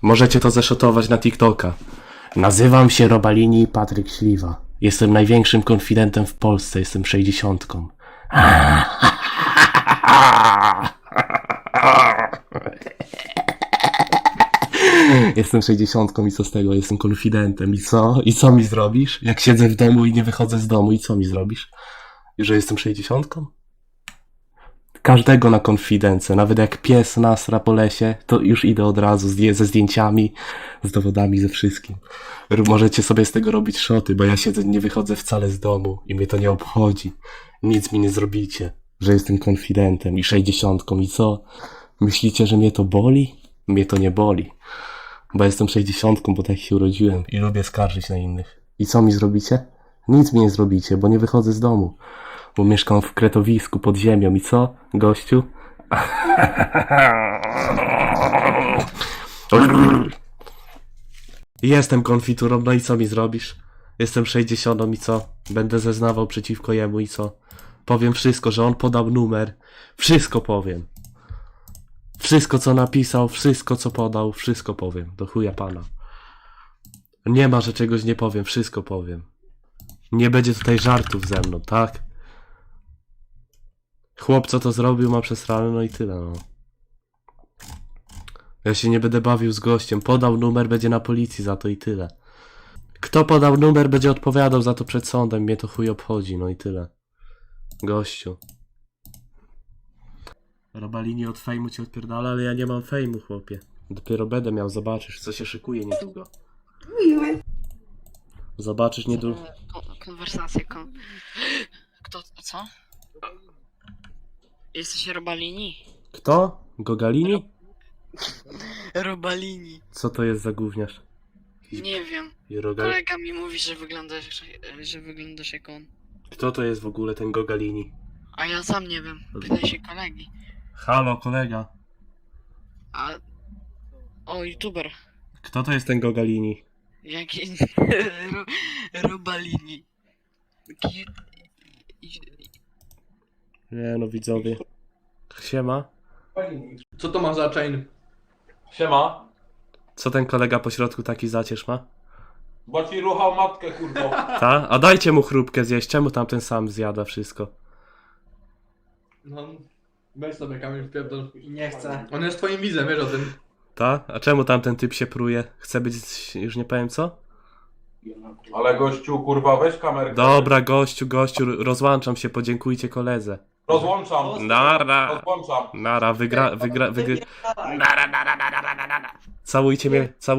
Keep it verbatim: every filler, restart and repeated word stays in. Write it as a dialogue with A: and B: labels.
A: Możecie to zeszotować na TikToka. Nazywam się Robalini Patryk Śliwa. Jestem największym konfidentem w Polsce. Jestem sześćdziesiątką. Jestem sześćdziesiątką i co z tego? Jestem konfidentem. I co? I co mi zrobisz? Jak siedzę w domu i nie wychodzę z domu, i co mi zrobisz? I że jestem sześćdziesiątką? Każdego na konfidencję, nawet jak pies nasra po lesie, to już idę od razu z, ze zdjęciami, z dowodami, ze wszystkim. R- Możecie sobie z tego robić szoty, bo ja siedzę, nie wychodzę wcale z domu i mnie to nie obchodzi. Nic mi nie zrobicie, że jestem konfidentem i sześćdziesiątką. I co? Myślicie, że mnie to boli? Mnie to nie boli, bo jestem sześćdziesiątką, bo tak się urodziłem i lubię skarżyć na innych. I co mi zrobicie? Nic mi nie zrobicie, bo nie wychodzę z domu. Bo mieszkam w kretowisku pod ziemią i co, gościu? Jestem konfiturą, no i co mi zrobisz? Jestem sześćdziesiątką i co? Będę zeznawał przeciwko jemu i co? Powiem wszystko, że on podał numer. Wszystko powiem. Wszystko co napisał, wszystko co podał, wszystko powiem. Do chuja pana. Nie ma, że czegoś nie powiem, wszystko powiem. Nie będzie tutaj żartów ze mną, tak? Chłop co to zrobił ma przesrane, no i tyle, no. Ja się nie będę bawił z gościem. Podał numer, będzie na policji za to i tyle. Kto podał numer, będzie odpowiadał za to przed sądem. Mnie to chuj obchodzi, no i tyle. Gościu. Robalini od fejmu cię odpierdala, ale ja nie mam fejmu, chłopie. Dopiero będę miał, zobaczysz, co się szykuje niedługo.
B: Miły.
A: Zobaczysz niedługo.
C: Kon konwersację, kon... Kto, co? Jesteś Robalini?
A: Kto? Gogalini?
C: Robalini.
A: Co to jest za gówniarz?
C: Nie wiem.
A: I Rogal...
C: Kolega mi mówi, że wyglądasz, że wyglądasz jak on.
A: Kto to jest w ogóle ten Gogalini?
C: A ja sam nie wiem. Pytaj się kolegi.
A: Halo, kolega.
C: A... O, youtuber.
A: Kto to jest ten Gogalini?
C: Jaki... Ro... Robalini. Taki...
A: Nie no, widzowie. Siema.
D: Co to ma za chain?
E: Siema,
A: Co ten kolega po środku taki zacierz ma?
E: bo ci ruchał matkę, kurwo.
A: Ta? A dajcie mu chrupkę zjeść. Czemu tamten sam zjada wszystko?
D: No, weź sobie kamień w pierdol.
B: I nie chcę.
D: On jest twoim widzem, wiesz o tym.
A: Ta? A czemu tamten typ się pruje? Chce być... już nie powiem co?
E: Ale gościu, kurwa, weź kamerkę.
A: Dobra, gościu, gościu, rozłączam się, podziękujcie koledze.
E: Rozłączam.
A: Nara!
E: Rozłączam.
A: Nara, wygra... wygra... wygra... Nara, nara, nara, nara, nara. Całujcie mnie, całujcie.